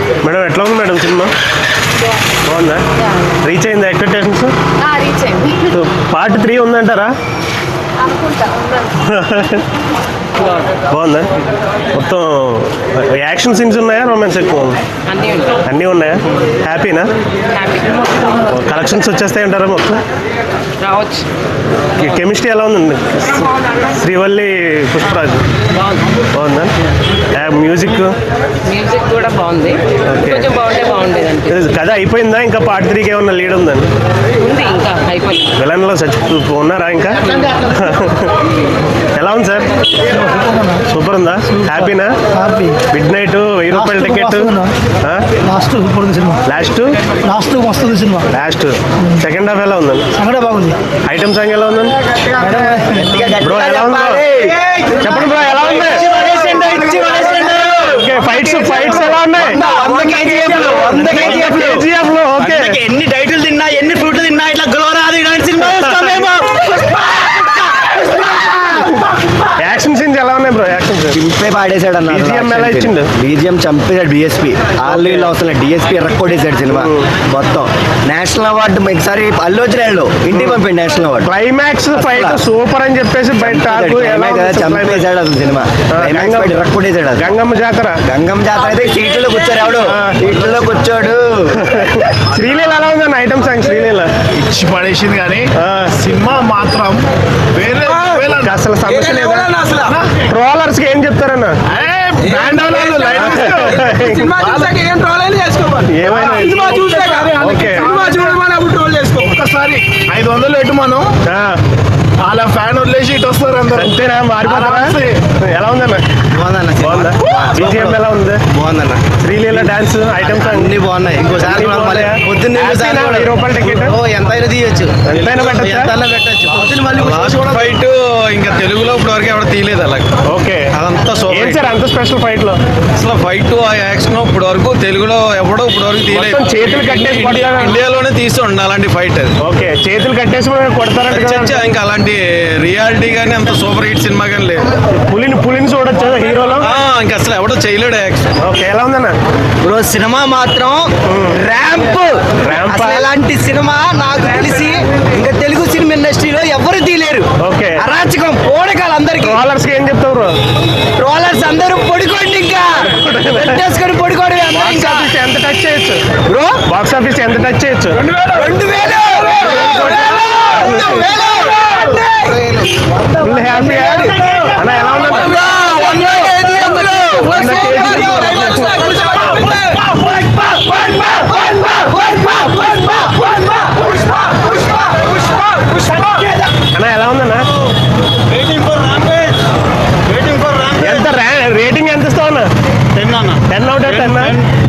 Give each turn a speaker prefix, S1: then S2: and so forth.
S1: Madam ఎట్లా ఉంది madam సినిమా? బాగుందా? రీచ్ అయిందా ఎక్స్పెక్టేషన్స్?
S2: రీచ్ అయింది.
S1: పార్ట్ 3 ఉందంటారా? బాగుందా? మొత్తం యాక్షన్ సీన్స్ ఉన్నాయా, రొమాన్స్ ఎక్కువ? అన్నీ ఉన్నాయా? హ్యాపీనా? కలెక్షన్స్ వచ్చేస్తాయి అంటారా మొత్తం?
S2: రావచ్చు.
S1: కెమిస్ట్రీ ఎలా ఉందండి? శ్రీవల్లి, పుష్పరాజ్ బాగుందా? మ్యూజిక్
S2: కూడా బాగుంది. కొంచెం బాగుండేది.
S1: కథ అయిపోయిందా? ఇంకా పార్ట్ 3కి ఏమన్నా లీడ్ ఉందండి?
S2: ఉంది, ఇంకా అయిపోయింది.
S1: విలన్లో ఉన్నారా ఇంకా? ఎలా ఉంది సార్? సూపర్ ఉందా? హ్యాపీనా? మిడ్ నైట్ 1000 రూపాయల టికెట్. లాస్ట్
S3: వస్తుంది సినిమా.
S1: లాస్ట్ సెకండ్ హాఫ్ ఎలా ఉందండి?
S3: బాగుంది.
S1: ఐటమ్ సాంగ్ ఎలా ఉందండి? బ్రో ఎలా ఉంది? చెప్పండి బ్రో, ఎలా ఉంది? ఫైట్స్ ఎలా ఉన్నాయి? ఓకే,
S3: ఎన్ని టైటిల్ తిన్నా, ఎన్ని ఫ్రూట్లు తిన్నా ఇట్లా గ్లో రాదు. ఇలాంటి సినిమా
S1: యాక్షన్ సీన్స్ ఎలా ఉన్నాయి బ్రో? యాక్షన్
S3: చింపే పాడేశాడు అన్న.
S1: BGM ఎలా ఇచ్చిండు?
S3: BGM చంపేశాడు. DSP ఆల్రెడీ అవసరం DSP ఎర్రకొట్టేశాడు సినిమా మొత్తం. నేషనల్ అవార్డు ఒకసారి అల్లు వచ్చినాడు, ఇంటికి పంపాడు national award.
S1: Climax fight super అని చెప్పేసి బయట
S3: చంపేశాడు అసలు సినిమా. ఎర్రకొట్టేశాడు.
S1: గంగమ్మ జాతర
S3: అయితే సీట్లో కూర్చోడు. ఎవడు సీట్లో కూర్చోడు.
S1: శ్రీలీల ఎలా ఉందన్న? ఐటమ్ సాంగ్ శ్రీలీల
S4: ఇచ్చి పడేసింది, కానీ సినిమా మాత్రం వేరే
S1: అసలు సమస్య లేదా? ట్రోలర్స్ కి ఏం చెప్తారన్న?
S4: ఒక్కసారి 500 పెట్టు మనం, వాళ్ళ ఫ్యాన్ వదిలేసి ఇటు వస్తారు అందరూ.
S1: అంతేనా? మారిపోతారా? ఎలా ఉందన్న?
S3: బాగుందా?
S1: BGM ఎలా ఉంది?
S3: బాగుందన్న.
S1: శ్రీలీల డాన్స్, ఐటమ్ సాంగ్
S3: అన్ని బాగున్నాయి. ఇంకోసారి పొద్దున్న
S1: 1000 రూపాయల టికెట్
S3: ఎంతైనా తీయచ్చు,
S1: ఎంతైనా
S3: పెట్టచ్చు.
S5: ఫైట్ ఇంకా తెలుగులో ఇప్పుడు వరకు ఎవరు తీయలేదు అలా.
S1: ఓకే,
S5: అదంతా
S1: ఏం సార్ అంత స్పెషల్ ఫైట్ లో?
S5: అసలు ఫైట్ ఆ యాక్షన్ ఇప్పుడు వరకు తెలుగులో ఎవడో ఇప్పుడు వరకు తీయలేదు.
S1: చేతులు కట్టేసి
S5: ఇండియాలోనే తీసి ఉండాలి అలాంటి ఫైట్ అది.
S1: ఓకే, చేతులు కట్టేసి కొడతారంటే
S5: ఇంకా అలాంటి రియాలిటీ కానీ అంత సూపర్ హిట్ సినిమా కానీ లేదు.
S1: పులిని చూడొచ్చు హీరోలో.
S5: ఇంకా అసలు ఎవడో చేయలేడు యాక్షన్.
S1: ఓకే, ఎలా ఉందన్న?
S3: బ్రో సినిమా మాత్రం ర్యాంప్. అలాంటి సినిమా నాకు తెలిసి ఇంకా తెలుగు సినిమా ఇండస్ట్రీలో ఎవరు తీయలేరు.
S1: ఓకే,
S3: అరాచకం పోడకాలు అందరికి.
S1: ట్రోలర్స్ కి ఏం చెప్తావు బ్రో?
S3: ట్రోలర్స్ అందరూ పొడికోండి, ఇంకా పెట్టేసుకొని పొడికోండి.
S1: ఎంత టచ్ చేయొచ్చు
S3: బ్రో?
S1: బాక్స్ ఆఫీస్ ఎంత టచ్ చేయొచ్చు?
S3: 2000
S1: ఫుల్ హ్యాపీ అన్న. ఎలా ఉందన్న? అన్న ఎలా ఉందన్న? ఎంత రేటింగ్ ఎంత ఇస్తావు అన్న?
S4: 10
S1: 10 out of 10.